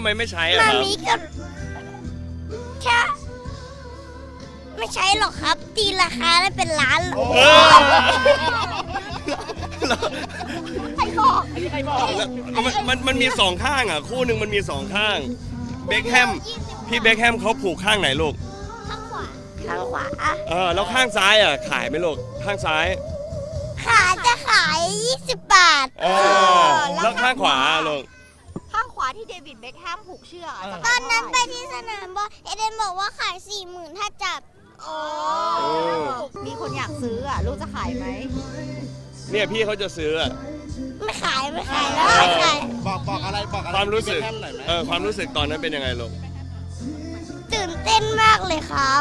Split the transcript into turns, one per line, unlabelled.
ไมไม่ใช้อะ
มา
ครับ
มีก็แค่ไม่ใช้หรอกครับ ตีราคาได้เป็นล้าน
เออ
ใครบอกอันนี้ใครบอก
มันมีสองข้างอ่ะคู่หนึ่งมันมีสองข้างเบคแฮมพี่เบคแฮมเขาผูกข้างไหนลูก
ข้างขวาข้างขวา
แล้วข้างซ้ายอ่ะขายไหมลูกข้างซ้าย
จะขาย20 บาท
แล้วข้างขวาลูก
ข้างขวาที่เดวิดเบ็คแฮมผูกเชือกจะ
ต
ขา
อย นนั้น
เท่า
ไป
ไหร่
ที่สนามบอลเอเดนบอกว่าขาย 40,000 ถ้าจับ
โอ้มีคนอยากซื้ออ่ะลูกจะขายไหม
เนี่ยพี่เขาจะซื้ออะ
ไม่ขายแล้วไม่ขาย
บอกอะไร
ความรู้สึก
พี่เบคแฮมหน่อยไหม
ความรู้สึกตอนนั้นเป็นยังไงลูก
ตื่นเต้นมากเลยครับ